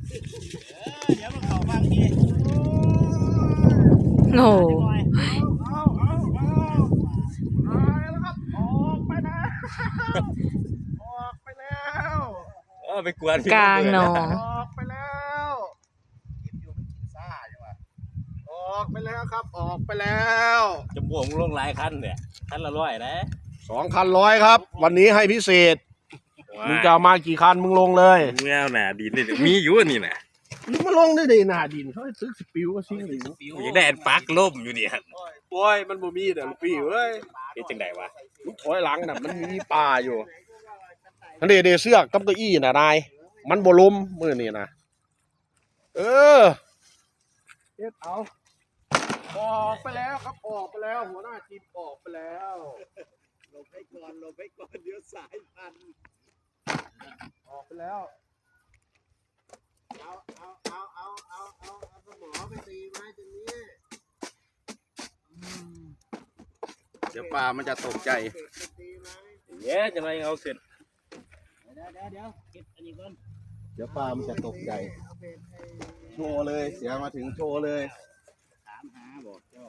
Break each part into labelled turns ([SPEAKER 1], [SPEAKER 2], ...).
[SPEAKER 1] เดี๋ยวมันเข้าบ้างที
[SPEAKER 2] โอ้
[SPEAKER 1] แล้วครับออกไปแล้วออกไปแล้ว
[SPEAKER 3] ไปกวน
[SPEAKER 2] กลางหนอง
[SPEAKER 1] ออกไปแล้วกินอยู่ไม่กินซ่าใช่ไหมออกไปแล้วครับออกไปแล้ว
[SPEAKER 3] จะบวกลงหลายคันเนี่ยคันละ100นะ
[SPEAKER 1] 2,100ครับวันนี้ให้พิเศษมึงจะมากี่คันมึงลงเลย
[SPEAKER 3] แมวหนาดินนี่มีอยู่นี่นะ
[SPEAKER 1] มึงมาลงได้ดีหนาดินเขาให้ซื้อสปิวก็ซิ่งหรือ
[SPEAKER 3] อยากได้อันปักล่มอยู่เนี่ย
[SPEAKER 1] โอ้ยมันบ่มีเด้อลูกพี่เว้ย
[SPEAKER 3] นี่จังไดวะ
[SPEAKER 1] มึงถอยหลังน่ะมันมีป่าอยู่อันเดเสือกกับเก้าอี้น่ะนายมันบ่ล้มมื้อนี้นะเฮ็ดเอาออกไปแล้วครับออกไปแล้วหัวหน้าทีมออกไปแล้วหลบไปก่อนเดี๋ยวสายพันออกไปแล้วเอาสมอไปตีไม้ตรงนี้เดี๋ยวปลามันจะตกใจ
[SPEAKER 3] จะมาเอาขึ้น
[SPEAKER 1] เก็บอันนี้ก่อนเดี๋ยวปลามันจะตกใจโชว์เลยเสียมาถึงโชว์เลยถามหาบอกเจ้า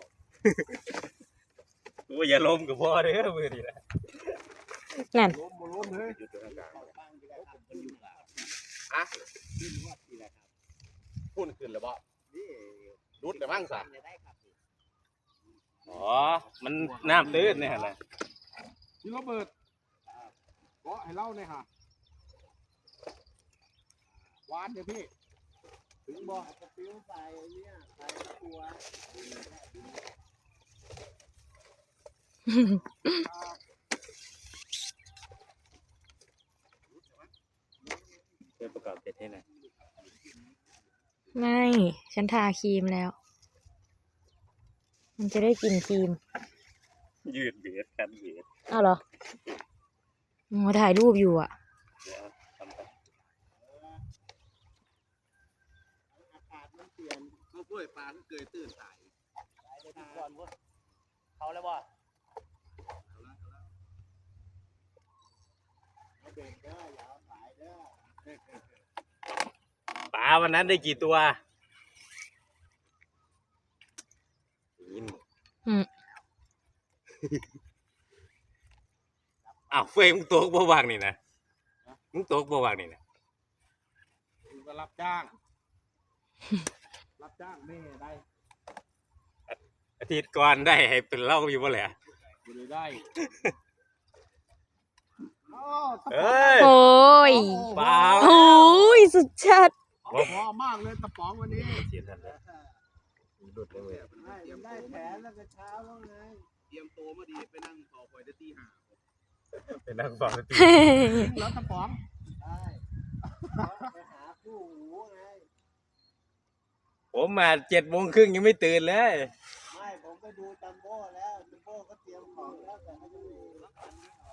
[SPEAKER 3] โอ้ยอย่าล้มกับพ่อเด้อมือนี่นะ
[SPEAKER 2] นั่น
[SPEAKER 1] ล้มเลยอะพุ่นขึ้นแล้วบ่รุดเลยบ้างสัก
[SPEAKER 3] อ๋อมันน้ำตื้นเนี่ยนะ
[SPEAKER 1] นี่เราเปิดเกาะให้เล่าหน่อยฮะวานเดี๋ยวพี่ถึงบ่จะปิ้วใส่เนี่ยใส่ตัว
[SPEAKER 3] เพื่อประกอบเสร็จให้หน่อย
[SPEAKER 2] ไม่ฉันทาครีมแล้ว มันจะได้กลินครีม
[SPEAKER 3] ยืดเบียดกันเบียด
[SPEAKER 2] อ้าวเหรอโอ้ถ่ายรูปอยู่อ่ะ
[SPEAKER 3] เดี๋ยวทำไป
[SPEAKER 1] อากาศมันเปลี่ยนเขาป่วยปลาก็เกยตื่นตายก่อนเขาแล้วบ่เบรกเด้ออย่าสายเด้อ
[SPEAKER 3] ปลาวันนั้นได้กี่ตัวยิน
[SPEAKER 2] อืม
[SPEAKER 3] อ้าวเฟยมึงตกบ่วางนี่นะมึงตกบ่วางนี่นะ
[SPEAKER 1] มึงก็รับจ้าง รับจ้างไม่ได้
[SPEAKER 3] อาทิตย์ก่อนได้ให้เป็นเล่าอยู่บ่แหละ
[SPEAKER 1] กูเลยได้
[SPEAKER 3] เอ้ย
[SPEAKER 2] โอ้ย
[SPEAKER 3] เปล่า
[SPEAKER 2] โอ้ยสุดชัด
[SPEAKER 1] พอมากเลยตะป๋องวันนี้
[SPEAKER 3] เสียทันเลยหลุดเลยเว้ย
[SPEAKER 1] ได้แผนแล้วก็เช้าว่าไงเตรียมโตมาดีไปนั่งต่อคอยได้ตีห้า
[SPEAKER 3] เป็นนักฟังตี
[SPEAKER 1] แล้วตะป๋องได้ไปหาคู่หูไง
[SPEAKER 3] ผมมา7:30ยังไม่ตื่นเลย
[SPEAKER 1] ไม่ผมก็ดูจัมโบ้แล้วจัมโบ้ก็เตรียมของแล้วแต่ไม่ได้รับกันไม่ออก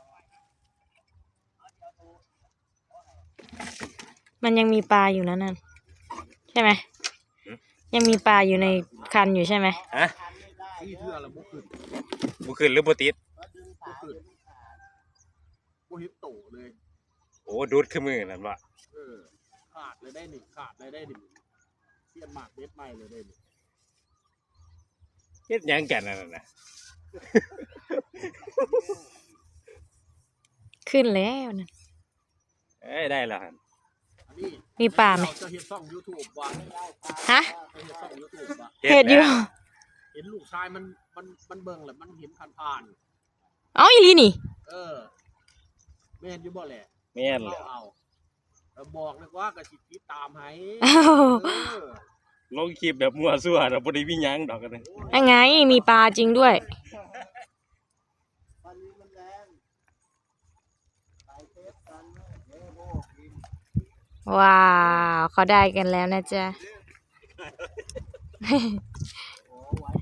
[SPEAKER 2] มันยังมีปลาอยู่นะนั่นใช่ไหมยังมีปลาอยู่ในคันอยู่ใช่ไหม
[SPEAKER 3] ฮะ
[SPEAKER 1] ที่เทื่อละบุขึ้น
[SPEAKER 3] บุขึ้นหรือบุติด
[SPEAKER 1] บุขึ้นบุฮิตโตเลย
[SPEAKER 3] โอ้ดูดขึ้นมือนั่นวะ
[SPEAKER 1] ขาดเลยได้หนึ่งขาดเลยได้หนึ่งเสียนหมากเด็ดใหม่เลยได้หนึ่ง
[SPEAKER 3] เฮ็ดหยังกันนั่นน่ะ
[SPEAKER 2] ขึ้นแล้วนั่น
[SPEAKER 3] เอ้ยได้แล้วหั่น
[SPEAKER 1] อันนี้
[SPEAKER 2] มีปลาไหม
[SPEAKER 1] จะเห็นช่อง YouTube ว่าได้ปลา
[SPEAKER 2] ฮะ
[SPEAKER 1] จะเห็นช่อง YouTube ว่า
[SPEAKER 2] เห็ดอยู่
[SPEAKER 1] เห็นลูกชายมันเบิ่งแหละมันเห็นผ่าน
[SPEAKER 2] เอ้าอีลีนี่
[SPEAKER 1] แม่นอยู่บ่แหละ
[SPEAKER 3] แม่นเลย
[SPEAKER 1] เอาแล้วบอกเลยว่ากระชิบติดตามให้
[SPEAKER 2] อ้าว
[SPEAKER 1] เออ
[SPEAKER 3] ลงคลิปแบบมั่วซั่วเราบ่ได้มีหยังดอกกันเลย
[SPEAKER 2] ยังไงมีปลาจริงด้วย
[SPEAKER 1] วันนี้มันแรงใส่เทปกันนะเดี๋ยวโบกิน
[SPEAKER 2] ว้าวเขาได้กันแล้วนะจ๊ะ